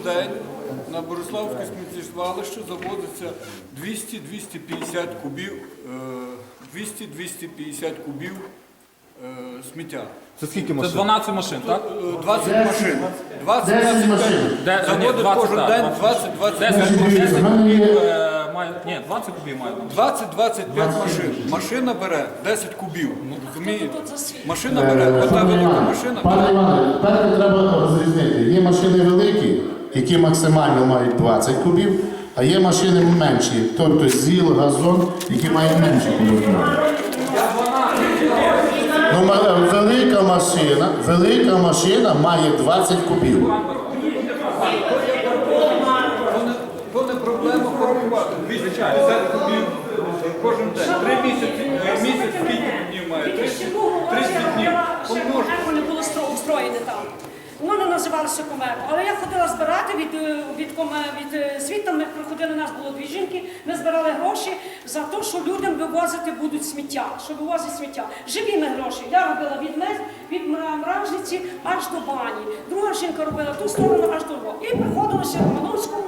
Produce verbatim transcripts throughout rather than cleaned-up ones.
день на Бориславське сміттєзвалище завозиться двісті - двісті п'ятдесят кубів, двісті - двісті п'ятдесят кубів сміття. Це скільки Це машин? дванадцять машин, так? двадцять машин. двадцять двадцять п'ять. Заводить кожен день двадцять - двадцять п'ять машин. Ні, двадцять кубів має. двадцять - двадцять п'ять машин. Машина бере десять кубів. Розумієте? Машина бере, ота велика машина. Пане Іване, тепер треба розрізнити. Є машини великі, які максимально мають двадцять кубів, а є машини менші, тобто ЗІЛ, газон, які мають менше кубів. Ну, ма- велика машина, велика машина має двадцять кубів. То не проблема порахувати. двісті п'ятдесят кубів кожен день. Три місяці, місяць скільки днів має? тридцять днів. Помножити. Вони були устроєні там. Воно називалося Комеко. Але я ходила збирати від, від, від світу, ми приходили, у нас було дві жінки, ми збирали гроші за те, що людям вивозити будуть сміття, що вивозять сміття. Живі ми гроші. Я робила від мез, від Мражниці аж до бані. Друга жінка робила ту сторону аж до Львова. І приходилося в Романовському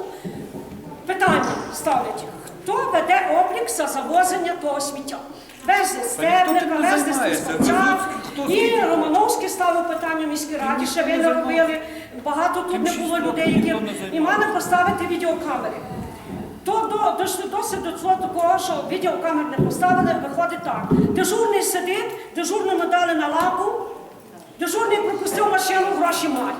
питання ставлять. Хто веде облік за завозення того сміття? Везли стебника, везли стеця. І Романовський ставив питання в міській раді, ще ви не робили. Багато тут не було людей, які і мали поставити відеокамери. То до, дійшли досить до цього такого, що відеокамер не поставили, виходить так. Дежурний сидить, дежурному дали на лапу, дежурний пропустив машину, гроші має.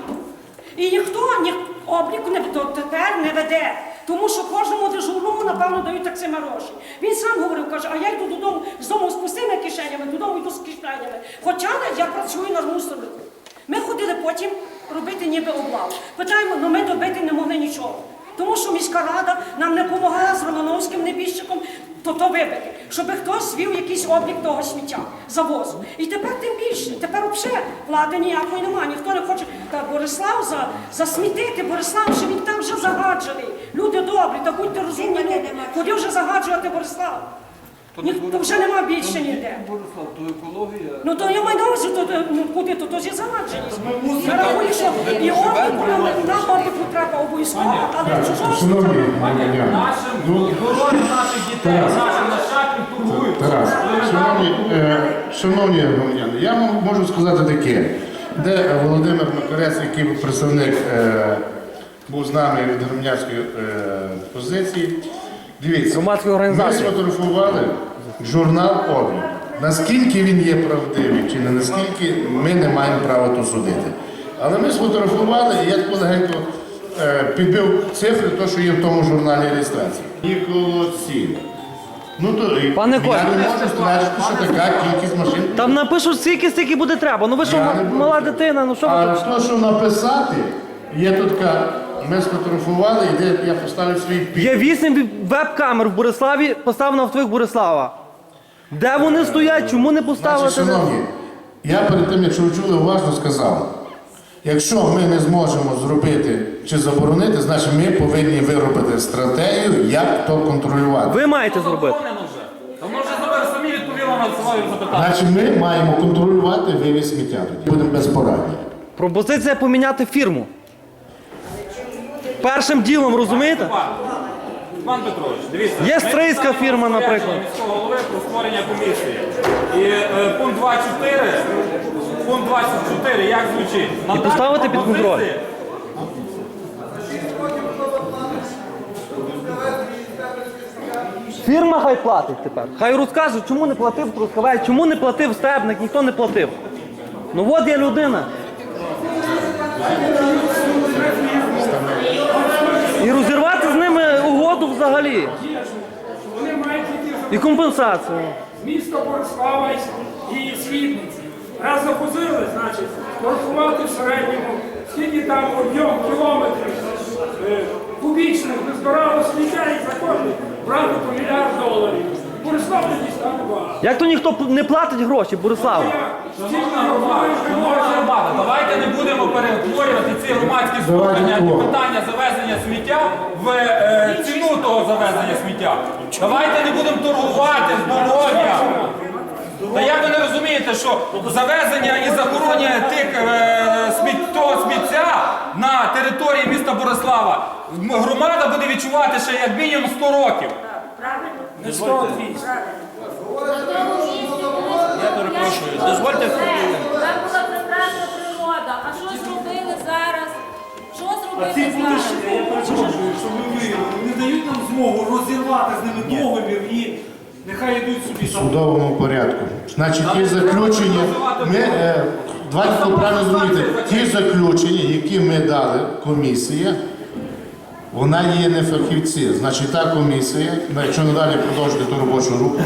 І ніхто ні, обліку не, тепер не веде. Тому що кожному дежурному, напевно, дають так само гроші. Він сам говорив, каже, а я йду додому, з дому з пустими кишенями, додому йду з кишенями. Хоча я працюю на мусорнику. Ми ходили потім робити ніби облаву. Питаємо, але ми добити не могли нічого. Тому що міська рада нам не допомагала з Романовським небіжчиком то то вибити, щоб хтось вів якийсь облік того сміття, завозу. І тепер тим більше, тепер взагалі влади ніякої немає, ніхто не хоче. Та Борислав за, засмітити, Борислав, що він там вже загаджений. Люди добрі, та будьте розумні, ну, куди вже загаджувати Борислав? Ні, то вже нема більше ніде. Борислав, то екологія. Ну то я маю на увазі, то, ну, куди, то, то ж є загадженість. Я рахую, що і обліку нам, нам обліку треба обов'язково, але чужого Шановні громадяни, ну, Здоров'я наших дітей, наших нащадків турбують. Тарас, шановні, е, шановні громадяни, я вам можу сказати таке, де Володимир Макарець, який був представник, е, був з нами від громадянської е, позиції. Дивіться, Громадської ми організації. сфотографували журнал «Облік». Наскільки він є правдивий чи не наскільки, ми не маємо права тут судити. Але ми сфотографували, і я легенько е, підбив цифри, то, що є в тому журналі реєстрації. Ніколоці. Ну, то, і Пане я Коля. не можу стверджувати, що така кількість машин. Там напишуть стільки, стільки буде треба. Ну ви що, Я не буду. мала дитина, ну що ви А тут? то, що написати, є тут така, ми сфотографували, і де я поставив свій підпис. Є вісім веб-камер в Бориславі, поставлено в твоїх Борислава. Де вони стоять, чому не поставити? Значить, шановні, я перед тим, якщо ви чули, уважно сказав, якщо ми не зможемо зробити чи заборонити, значить ми повинні виробити стратегію, як то контролювати. Ви маєте зробити. Заборонено вже. То може зараз самі відповіли на своє запитання. Значить ми маємо контролювати вивіз сміття тоді. Будемо безпорадні. Пропозиція поміняти фірму. Першим ділом, розумієте? Пан Петрович, дивіться. Є ми стрийська писали фірма, розпорядження наприклад. міського голови про створення комісії. І е, пункт двадцять чотири, пункт двадцять чотири, як звучить? І поставити під контроль. Пропозиції. Фірма хай платить тепер. Хай розкаже, чому не платив Трускавець, чому не платив Стебник, ніхто не платив. Ну от є людина. І розірвати з ними угоду взагалі. Вони мають І компенсацію. місто Борислава і Східниці. Раз запозили, значить, порахувати в середньому, скільки там об'єм кілометрів е, кубічних не збирало сміття і за кожен брати по мільярд доларів. Борислав тоді стане багато. Як то ніхто не платить гроші, Бориславу? Шановна громада, шановна громада, давайте не будемо перетворювати ці громадські слухання і питання завезення сміття в е, ціну того завезення сміття. Давайте не будемо торгувати здоров'ям. Та як ви не розумієте, що завезення і захоронення тих е, сміт, того сміття на території міста Борислава м- громада буде відчувати ще як мінімум сто років. Не сто двісті. Я перепрошую, дозвольте хвилину. Там була прекрасна природа. А що зробили зараз? Що А ці зробили будуть, зараз? я перепрошую, що ви виявили, не дають нам змогу розірвати з ними договір і нехай йдуть собі В там. судовому порядку. Значить, ті заключення, ми, е, давайте правильно зрозуміти, ті заключення, які ми дали, комісія, вона є не фахівці. Значить, та комісія, якщо надалі продовжити ту робочу групу,